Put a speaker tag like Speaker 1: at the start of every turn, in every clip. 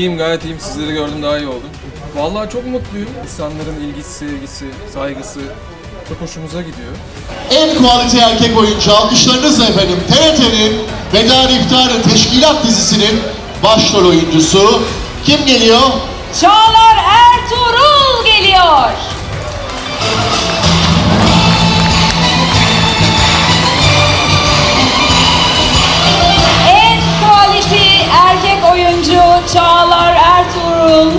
Speaker 1: İyiyim, gayet iyiyim. Sizleri gördüm, daha iyi oldum. Vallahi çok mutluyum. İnsanların ilgisi, sevgisi, saygısı çok hoşumuza gidiyor.
Speaker 2: En kalite erkek oyuncu alkışlarınızla efendim TRT'nin Veda İftarı Teşkilat dizisinin başrol oyuncusu kim geliyor?
Speaker 3: Çağlar Ertuğrul geliyor. En kalite erkek oyuncu Çağlar Ertuğrul.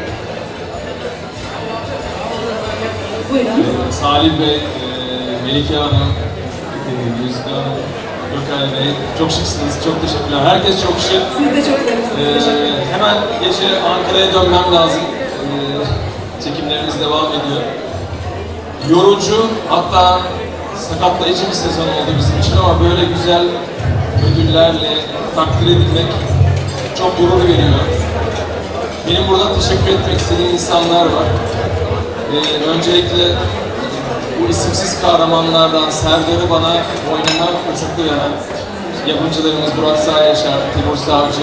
Speaker 3: Buyurun.
Speaker 4: Salih Bey, Melike Hanım, Yüzde Hanım, Gökhan Bey, çok şıksınız, çok teşekkürler. Herkes çok şık.
Speaker 3: Siz de çok sevimlisiniz.
Speaker 4: Hemen gece Ankara'ya dönmem lazım. Çekimlerimiz devam ediyor. Yorucu, hatta sakatlayıcı bir sezon oldu bizim için ama böyle güzel ödüllerle takdir edilmek çok gurur veriyor. Benim burada teşekkür etmek istediğim insanlar var. Öncelikle bu isimsiz kahramanlardan Serdar'ı bana oynama fırsatı veren yapımcılarımız Burak Sağyaşar, Timur Savcı,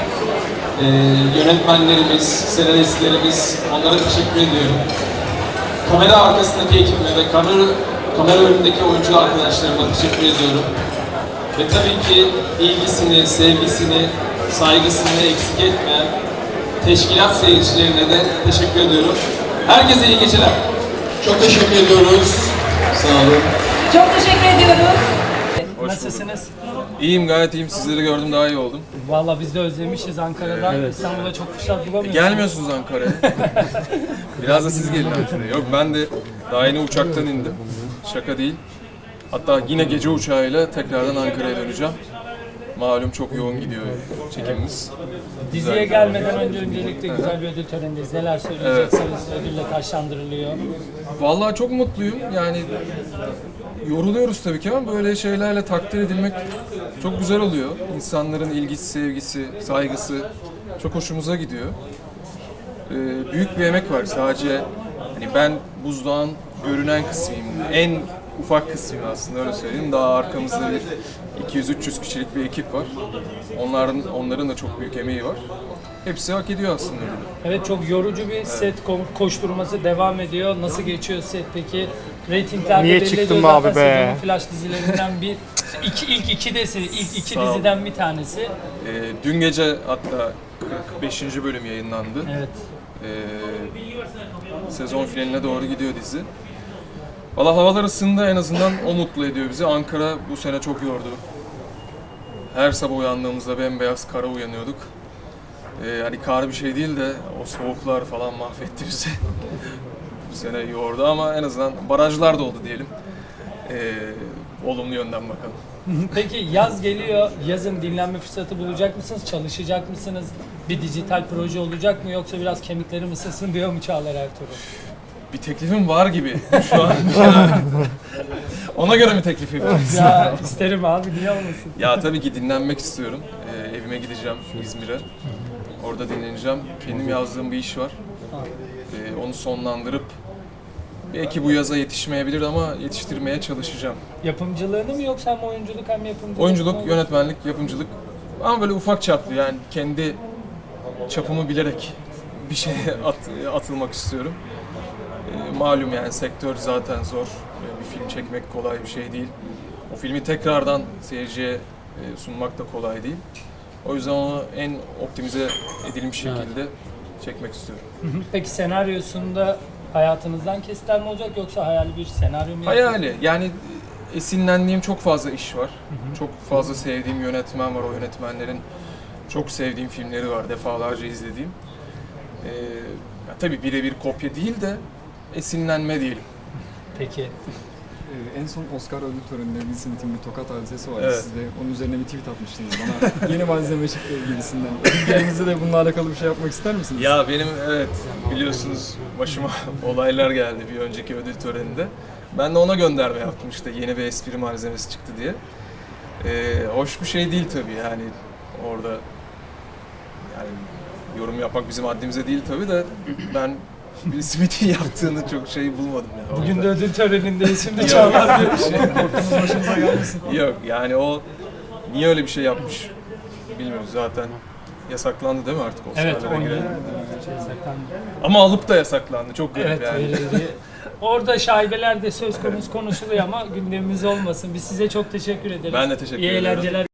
Speaker 4: yönetmenlerimiz, senaristlerimiz, onlara teşekkür ediyorum. Kamera arkasındaki ekibime ve kamera önündeki oyuncu arkadaşlarıma teşekkür ediyorum. Ve tabii ki ilgisini, sevgisini, saygısını eksik etmeyen teşkilat seyircilerine de teşekkür ediyorum. Herkese iyi geceler.
Speaker 2: Çok teşekkür ediyoruz. Sağ olun.
Speaker 3: Çok teşekkür ediyoruz.
Speaker 1: Hoş
Speaker 5: Nasılsınız?
Speaker 1: İyiyim, gayet iyiyim. Sizleri gördüm, daha iyi oldum.
Speaker 5: Vallahi biz de özlemişiz Ankara'dan. İstanbul'da çok fırsat bulamıyoruz.
Speaker 1: Gelmiyorsunuz Ankara'ya. Biraz da siz gelin Ankara'ya. Yok, ben de daha yeni uçaktan indim. Şaka değil. Hatta yine gece uçağıyla tekrardan Ankara'ya döneceğim. Malum çok yoğun gidiyor çekimimiz.
Speaker 5: Diziye gelmeden öncelikle güzel bir ödül törenindeyiz. Neler söyleyeceksiniz? Ödülle taşlandırılıyor.
Speaker 1: Vallahi çok mutluyum. Yani yoruluyoruz tabii ki ama böyle şeylerle takdir edilmek çok güzel oluyor. İnsanların ilgisi, sevgisi, saygısı çok hoşumuza gidiyor. Büyük bir emek var. Sadece hani ben buzdağın görünen kısmıyım. En ufak kısmıyım aslında, öyle söyleyeyim. Daha arkamızda bir 200-300 kişilik bir ekip var. Onların da çok büyük emeği var. Hepsi hak ediyor aslında.
Speaker 5: Evet, çok yorucu bir set koşturması devam ediyor. Nasıl geçiyor set peki? Reytinglerde
Speaker 6: Niye
Speaker 5: belli
Speaker 6: çıktın
Speaker 5: ediyor
Speaker 6: be abi
Speaker 5: zaten
Speaker 6: be?
Speaker 5: sezonun flash dizilerinden ilk iki
Speaker 1: Sağ ol.
Speaker 5: diziden bir tanesi.
Speaker 1: Dün gece hatta 45. bölüm yayınlandı.
Speaker 5: Evet.
Speaker 1: Sezon finaline doğru gidiyor dizi. Valla havalar ısındı, en azından o mutlu ediyor bizi. Ankara bu sene çok yordu. Her sabah uyandığımızda bembeyaz kara uyanıyorduk. Hani kar bir şey değil de o soğuklar falan mahvetti bizi. Bu sene yordu ama en azından barajlar doldu diyelim. Olumlu yönden bakalım.
Speaker 5: Peki yaz geliyor. Yazın dinlenme fırsatı bulacak mısınız? Çalışacak mısınız? Bir dijital proje olacak mı? Yoksa biraz kemiklerim ısınsın diyor mu Çağlar Ertuğrul?
Speaker 1: Bir teklifim var gibi şu an. Ona göre mi teklif yapıyorsun?
Speaker 5: Ya isterim abi, niye olmasın?
Speaker 1: Ya tabii ki dinlenmek istiyorum. Evime gideceğim İzmir'e. Orada dinleneceğim. Kendim yazdığım bir iş var. Onu sonlandırıp belki bu yaza yetişmeyebilir ama yetiştirmeye çalışacağım.
Speaker 5: Yapımcılığını mı yoksa hem oyunculuk hem yapımcılık
Speaker 1: Oyunculuk,
Speaker 5: mı?
Speaker 1: yönetmenlik, yapımcılık ama böyle ufak çaplı, yani kendi çapımı bilerek bir şeye atılmak istiyorum. Malum yani sektör zaten zor. Bir film çekmek kolay bir şey değil. O filmi tekrardan seyirciye sunmak da kolay değil. O yüzden onu en optimize edilmiş şekilde çekmek istiyorum.
Speaker 5: Peki senaryosunda hayatınızdan kesitler mi olacak yoksa hayali bir senaryo mu?
Speaker 1: Hayali, yani esinlendiğim çok fazla iş var. Çok fazla sevdiğim yönetmen var. O yönetmenlerin çok sevdiğim filmleri var. Defalarca izlediğim. Tabii birebir kopya değil de esinlenme diyelim.
Speaker 5: Peki.
Speaker 6: En son Oscar ödül töreninde Will Smith'in bir tokat hadisesi vardı.
Speaker 1: Evet.
Speaker 6: Siz de onun üzerine bir tweet atmıştınız bana. Yeni malzeme çıktı gibisinden. Gelinizde de bununla alakalı bir şey yapmak ister misiniz?
Speaker 1: Ya benim, evet, biliyorsunuz başıma olaylar geldi bir önceki ödül töreninde. Ben de ona gönderme yaptım, işte yeni bir espri malzemesi çıktı diye. Hoş bir şey değil tabii, yani orada yani yorum yapmak bizim haddimize değil tabii de ben Will Smith'in yaptığını çok şey bulmadım yani.
Speaker 5: Bugün de
Speaker 1: orada.
Speaker 5: ödül törenindeyiz. Şimdi Çağlar diyor.
Speaker 1: Yok yani o niye öyle bir şey yapmış bilmiyoruz zaten. Yasaklandı değil mi artık
Speaker 5: Evet,
Speaker 1: Oscar'lara
Speaker 5: 10 yıl
Speaker 1: girelim?
Speaker 5: yasaklandı.
Speaker 1: Ama alıp da yasaklandı. Çok garip
Speaker 5: Evet,
Speaker 1: yani.
Speaker 5: verildi. Orada şaibeler de söz konusu konuşuluyor ama gündemimiz olmasın. Biz size çok teşekkür ederiz.
Speaker 1: Ben de teşekkür
Speaker 5: İyi
Speaker 1: ederim.
Speaker 5: eğlenceler.